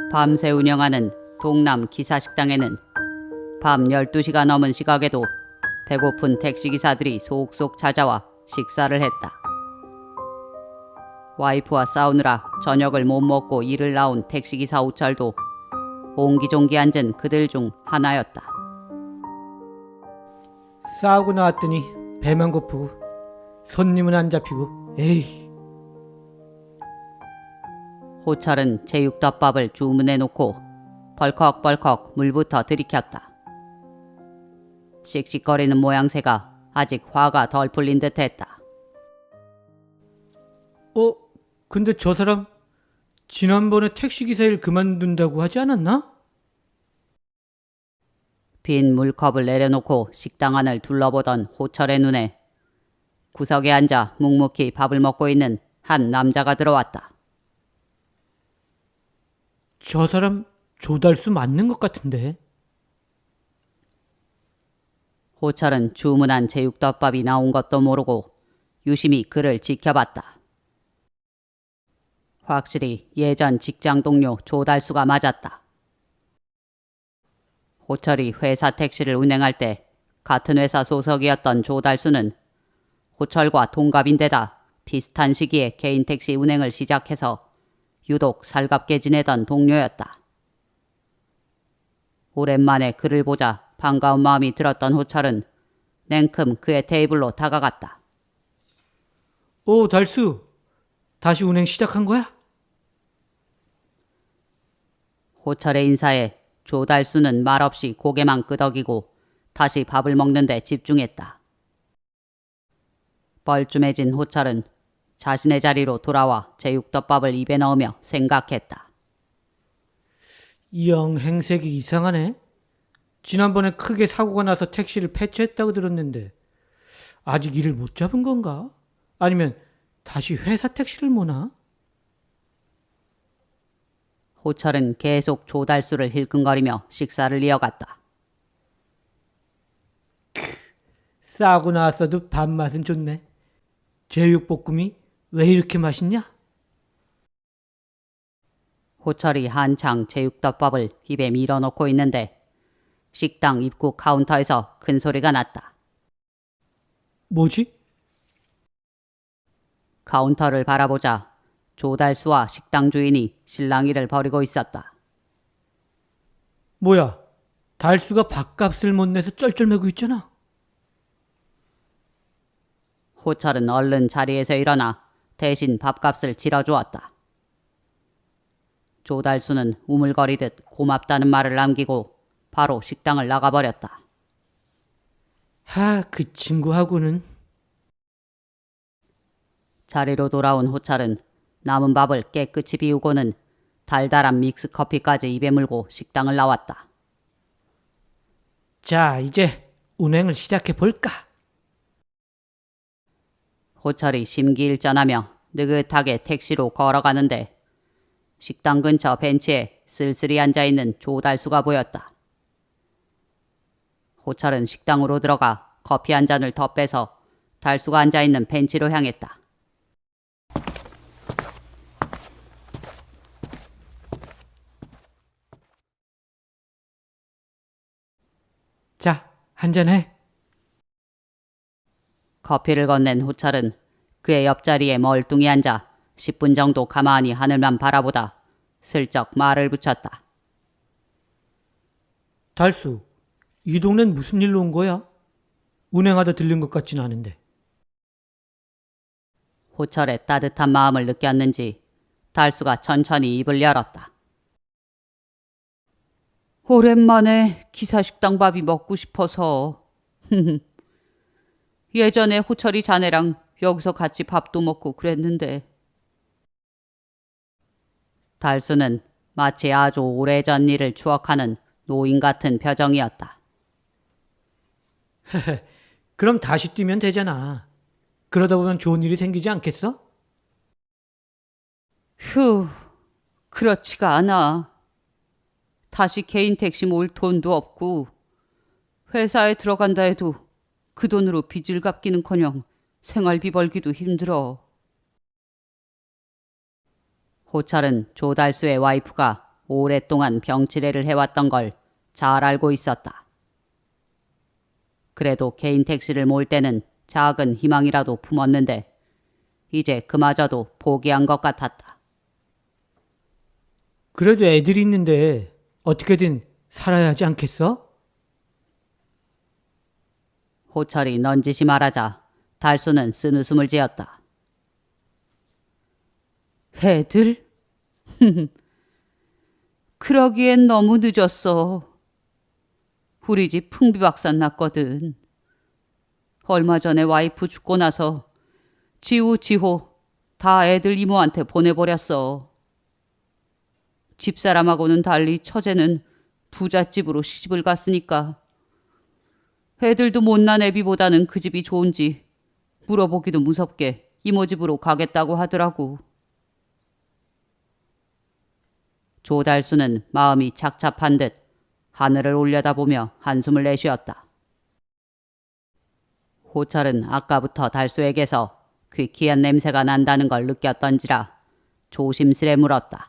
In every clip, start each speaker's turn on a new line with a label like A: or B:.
A: 밤새 운영하는 동남 기사식당에는 밤 12시가 넘은 시각에도 배고픈 택시기사들이 속속 찾아와 식사를 했다. 와이프와 싸우느라 저녁을 못 먹고 일을 나온 택시기사 호철도 옹기종기 앉은 그들 중 하나였다.
B: 싸우고 나왔더니 배만 고프고 손님은 안 잡히고 에이.
A: 호철은 제육덮밥을 주문해 놓고 벌컥벌컥 물부터 들이켰다. 씩씩거리는 모양새가 아직 화가 덜 풀린 듯했다.
B: 근데 저 사람 지난번에 택시기사 일 그만둔다고 하지 않았나?
A: 빈 물컵을 내려놓고 식당 안을 둘러보던 호철의 눈에 구석에 앉아 묵묵히 밥을 먹고 있는 한 남자가 들어왔다.
B: 저 사람 조달수 맞는 것 같은데.
A: 호철은 주문한 제육덮밥이 나온 것도 모르고 유심히 그를 지켜봤다. 확실히 예전 직장 동료 조달수가 맞았다. 호철이 회사 택시를 운행할 때 같은 회사 소속이었던 조달수는 호철과 동갑인데다 비슷한 시기에 개인 택시 운행을 시작해서 유독 살갑게 지내던 동료였다. 오랜만에 그를 보자 반가운 마음이 들었던 호철은 냉큼 그의 테이블로 다가갔다.
B: 달수. 다시 운행 시작한 거야?
A: 호철의 인사에 조달수는 말없이 고개만 끄덕이고 다시 밥을 먹는 데 집중했다. 뻘쭘해진 호철은 자신의 자리로 돌아와 제육덮밥을 입에 넣으며 생각했다.
B: 영 행색이 이상하네. 지난번에 크게 사고가 나서 택시를 폐차했다고 들었는데 아직 일을 못 잡은 건가? 아니면 다시 회사 택시를 모나?
A: 호철은 계속 조달수를 힐끔거리며 식사를 이어갔다.
B: 싸고 나왔어도 밥맛은 좋네. 제육볶음이 왜 이렇게 맛있냐?
A: 호철이 한창 제육덮밥을 입에 밀어넣고 있는데 식당 입구 카운터에서 큰 소리가 났다.
B: 뭐지?
A: 카운터를 바라보자 조달수와 식당 주인이 실랑이를 벌이고 있었다.
B: 뭐야? 달수가 밥값을 못 내서 쩔쩔매고 있잖아.
A: 호철은 얼른 자리에서 일어나 대신 밥값을 지러주었다. 조달수는 우물거리듯 고맙다는 말을 남기고 바로 식당을 나가버렸다.
B: 그 친구하고는.
A: 자리로 돌아온 호철은 남은 밥을 깨끗이 비우고는 달달한 믹스커피까지 입에 물고 식당을 나왔다.
B: 자, 이제 운행을 시작해 볼까?
A: 호철이 심기일전하며 느긋하게 택시로 걸어가는데 식당 근처 벤치에 쓸쓸히 앉아있는 조달수가 보였다. 호철은 식당으로 들어가 커피 한 잔을 더 빼서 달수가 앉아있는 벤치로 향했다.
B: 자, 한잔해.
A: 커피를 건넨 호철은 그의 옆자리에 멀뚱히 앉아 10분 정도 가만히 하늘만 바라보다 슬쩍 말을 붙였다.
B: 달수, 이 동네는 무슨 일로 온 거야? 운행하다 들린 것 같지는 않은데.
A: 호철의 따뜻한 마음을 느꼈는지 달수가 천천히 입을 열었다. 오랜만에 기사식당 밥이 먹고 싶어서. 예전에 호철이 자네랑 여기서 같이 밥도 먹고 그랬는데. 달수는 마치 아주 오래전 일을 추억하는 노인 같은 표정이었다.
B: 그럼 다시 뛰면 되잖아. 그러다 보면 좋은 일이 생기지 않겠어?
A: 휴, 그렇지가 않아. 다시 개인 택시 몰 돈도 없고 회사에 들어간다 해도 그 돈으로 빚을 갚기는커녕 생활비 벌기도 힘들어. 호철은 조달수의 와이프가 오랫동안 병치레를 해왔던 걸 잘 알고 있었다. 그래도 개인 택시를 몰 때는 작은 희망이라도 품었는데 이제 그마저도 포기한 것 같았다.
B: 그래도 애들이 있는데 어떻게든 살아야 하지 않겠어?
A: 호철이 넌지시 말하자 달수는 쓴웃음을 지었다. 애들? 그러기엔 너무 늦었어. 우리 집 풍비박산 났거든. 얼마 전에 와이프 죽고 나서 지우, 지호 다 애들 이모한테 보내버렸어. 집사람하고는 달리 처제는 부잣집으로 시집을 갔으니까 애들도 못난 애비보다는 그 집이 좋은지 물어보기도 무섭게 이모 집으로 가겠다고 하더라고. 조달수는 마음이 착잡한 듯 하늘을 올려다보며 한숨을 내쉬었다. 호철은 아까부터 달수에게서 귀키한 냄새가 난다는 걸 느꼈던지라 조심스레 물었다.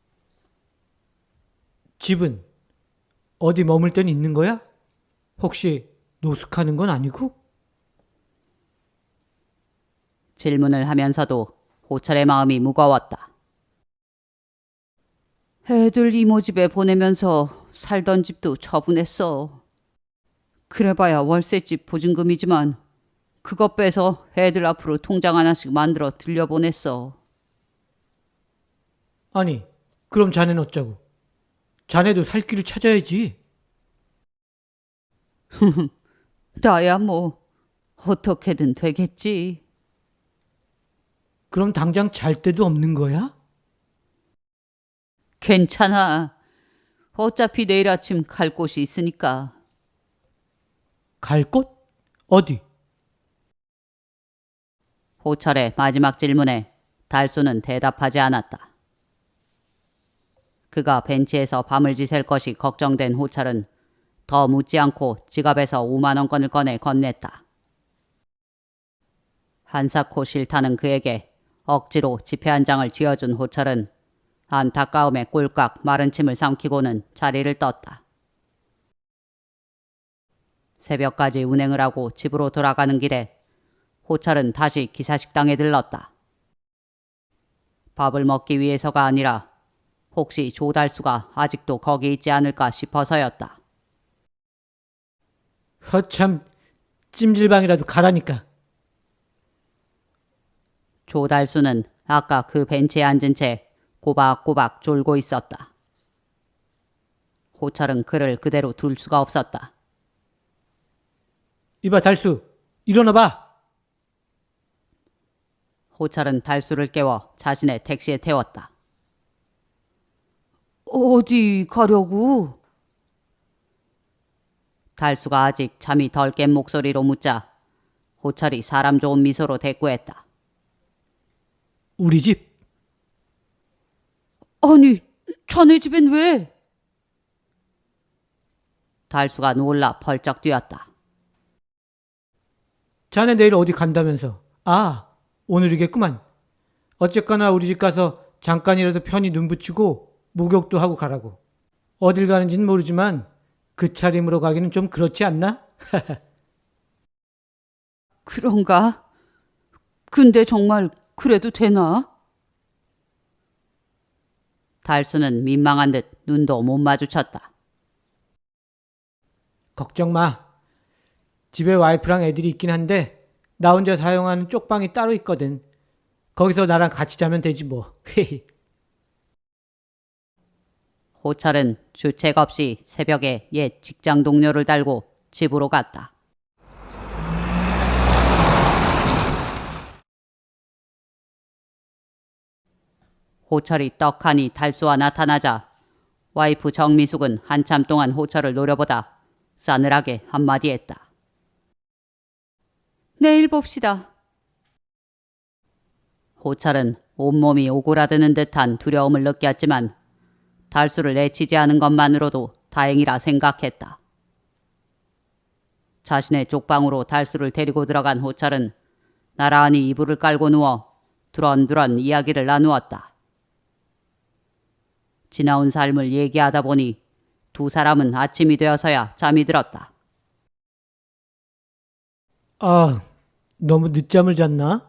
B: 집은 어디 머물 땐 있는 거야? 혹시 노숙하는 건 아니고?
A: 질문을 하면서도 호철의 마음이 무거웠다. 애들 이모 집에 보내면서 살던 집도 처분했어. 그래봐야 월세집 보증금이지만 그것 빼서 애들 앞으로 통장 하나씩 만들어 들려보냈어.
B: 아니, 그럼 자네는 어쩌고? 자네도 살 길을 찾아야지.
A: 나야 뭐 어떻게든 되겠지.
B: 그럼 당장 잘 데도 없는 거야?
A: 괜찮아. 어차피 내일 아침 갈 곳이 있으니까.
B: 갈 곳? 어디?
A: 호철의 마지막 질문에 달수는 대답하지 않았다. 그가 벤치에서 밤을 지샐 것이 걱정된 호철은 더 묻지 않고 지갑에서 5만 원권을 꺼내 건넸다. 한사코 싫다는 그에게 억지로 지폐 한 장을 쥐어준 호철은 안타까움에 꼴깍 마른 침을 삼키고는 자리를 떴다. 새벽까지 운행을 하고 집으로 돌아가는 길에 호철은 다시 기사식당에 들렀다. 밥을 먹기 위해서가 아니라 혹시 조달수가 아직도 거기 있지 않을까 싶어서였다.
B: 허참, 찜질방이라도 가라니까.
A: 조달수는 아까 그 벤치에 앉은 채 꼬박꼬박 졸고 있었다. 호철은 그를 그대로 둘 수가 없었다.
B: 이봐, 달수, 일어나봐.
A: 호철은 달수를 깨워 자신의 택시에 태웠다. 어디 가려고? 달수가 아직 잠이 덜 깬 목소리로 묻자 호철이 사람 좋은 미소로 대꾸했다.
B: 우리 집.
A: 아니, 자네 집엔 왜? 달수가 놀라 벌쩍 뛰었다.
B: 자네 내일 어디 간다면서. 아, 오늘이겠구만. 어쨌거나 우리 집 가서 잠깐이라도 편히 눈 붙이고 목욕도 하고 가라고. 어딜 가는지는 모르지만 그 차림으로 가기는 좀 그렇지 않나?
A: 그런가? 근데 정말 그래도 되나? 달수는 민망한 듯 눈도 못 마주쳤다.
B: 걱정 마. 집에 와이프랑 애들이 있긴 한데 나 혼자 사용하는 쪽방이 따로 있거든. 거기서 나랑 같이 자면 되지 뭐.
A: 호철은 주책 없이 새벽에 옛 직장 동료를 달고 집으로 갔다. 호철이 떡하니 달수와 나타나자 와이프 정미숙은 한참 동안 호철을 노려보다 싸늘하게 한마디 했다. 내일 봅시다. 호철은 온몸이 오그라드는 듯한 두려움을 느꼈지만 달수를 내치지 않은 것만으로도 다행이라 생각했다. 자신의 쪽방으로 달수를 데리고 들어간 호철은 나란히 이불을 깔고 누워 두런두런 이야기를 나누었다. 지나온 삶을 얘기하다 보니 두 사람은 아침이 되어서야 잠이 들었다.
B: 아, 너무 늦잠을 잤나?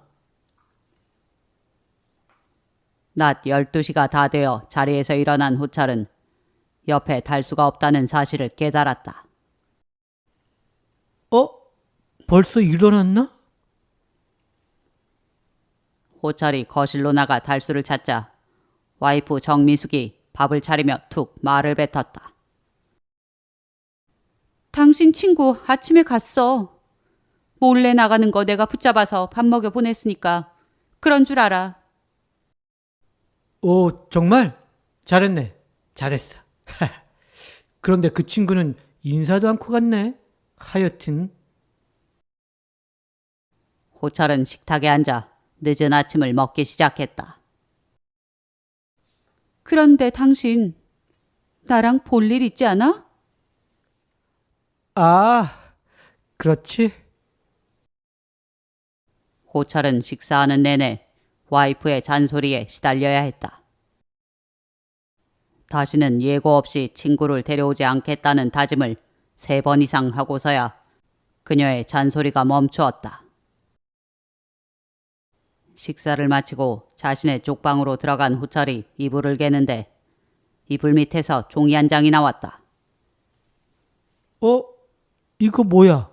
A: 낮 12시가 다 되어 자리에서 일어난 호철은 옆에 달수가 없다는 사실을 깨달았다.
B: 벌써 일어났나?
A: 호철이 거실로 나가 달수를 찾자 와이프 정미숙이 밥을 차리며 툭 말을 뱉었다. 당신 친구 아침에 갔어. 몰래 나가는 거 내가 붙잡아서 밥 먹여 보냈으니까 그런 줄 알아.
B: 오, 정말? 잘했네. 잘했어. 그런데 그 친구는 인사도 않고 갔네. 하여튼.
A: 호철은 식탁에 앉아 늦은 아침을 먹기 시작했다. 그런데 당신 나랑 볼 일 있지 않아?
B: 아, 그렇지.
A: 호철은 식사하는 내내 와이프의 잔소리에 시달려야 했다. 다시는 예고 없이 친구를 데려오지 않겠다는 다짐을 3번 이상 하고서야 그녀의 잔소리가 멈추었다. 식사를 마치고 자신의 쪽방으로 들어간 호철이 이불을 개는데 이불 밑에서 종이 한 장이 나왔다.
B: 이거 뭐야?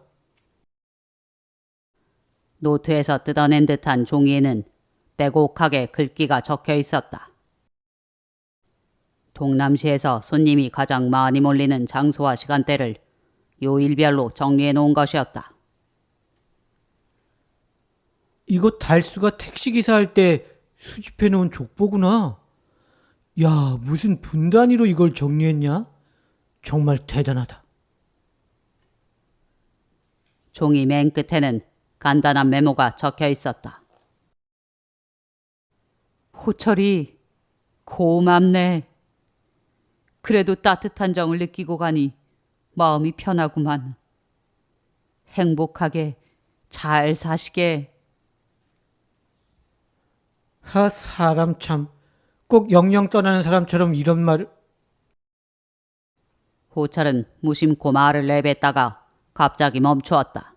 A: 노트에서 뜯어낸 듯한 종이에는 빼곡하게 글귀가 적혀 있었다. 동남시에서 손님이 가장 많이 몰리는 장소와 시간대를 요일별로 정리해 놓은 것이었다.
B: 이거 달수가 택시기사 할 때 수집해 놓은 족보구나. 야, 무슨 분 단위로 이걸 정리했냐? 정말 대단하다.
A: 종이 맨 끝에는 간단한 메모가 적혀 있었다. 호철이 고맙네. 그래도 따뜻한 정을 느끼고 가니 마음이 편하구만. 행복하게 잘 사시게.
B: 사람 참. 꼭 영영 떠나는 사람처럼 이런 말을.
A: 호철은 무심코 말을 내뱉다가 갑자기 멈추었다.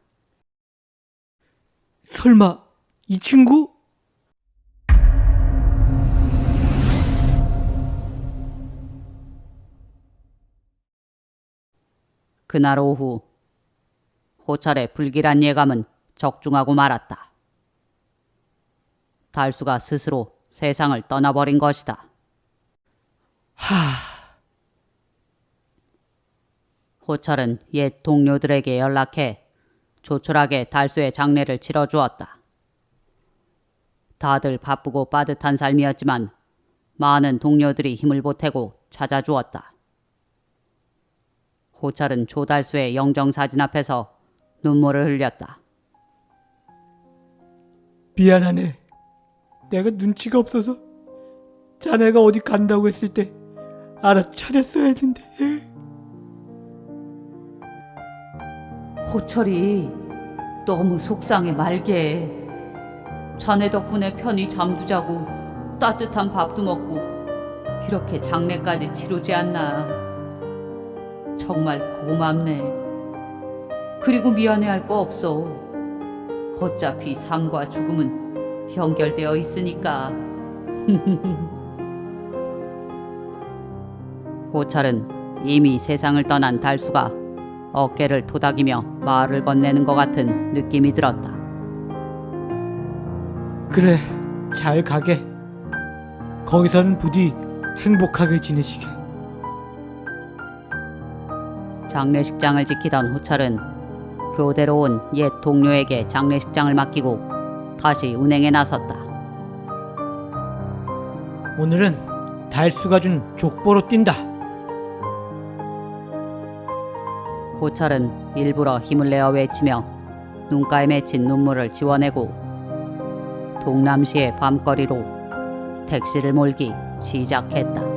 B: 설마 이 친구?
A: 그날 오후 호철의 불길한 예감은 적중하고 말았다. 달수가 스스로 세상을 떠나버린 것이다. 호철은 옛 동료들에게 연락해 조촐하게 달수의 장례를 치러주었다. 다들 바쁘고 빠듯한 삶이었지만 많은 동료들이 힘을 보태고 찾아주었다. 호철은 조달수의 영정사진 앞에서 눈물을 흘렸다.
B: 미안하네. 내가 눈치가 없어서 자네가 어디 간다고 했을 때 알아차렸어야 했는데.
A: 호철이 너무 속상해 말게. 자네 덕분에 편히 잠도 자고 따뜻한 밥도 먹고 이렇게 장례까지 치르지 않나. 정말 고맙네. 그리고 미안해할 거 없어. 어차피 삶과 죽음은 연결되어 있으니까. 호철은 이미 세상을 떠난 달수가 어깨를 토닥이며 말을 건네는 것 같은 느낌이 들었다.
B: 그래, 잘 가게. 거기서는 부디 행복하게 지내시게.
A: 장례식장을 지키던 호철은 교대로 온 옛 동료에게 장례식장을 맡기고 다시 운행에 나섰다.
B: 오늘은 달수가 준 족보로 뛴다.
A: 호철은 일부러 힘을 내어 외치며 눈가에 맺힌 눈물을 지워내고 동남시의 밤거리로 택시를 몰기 시작했다.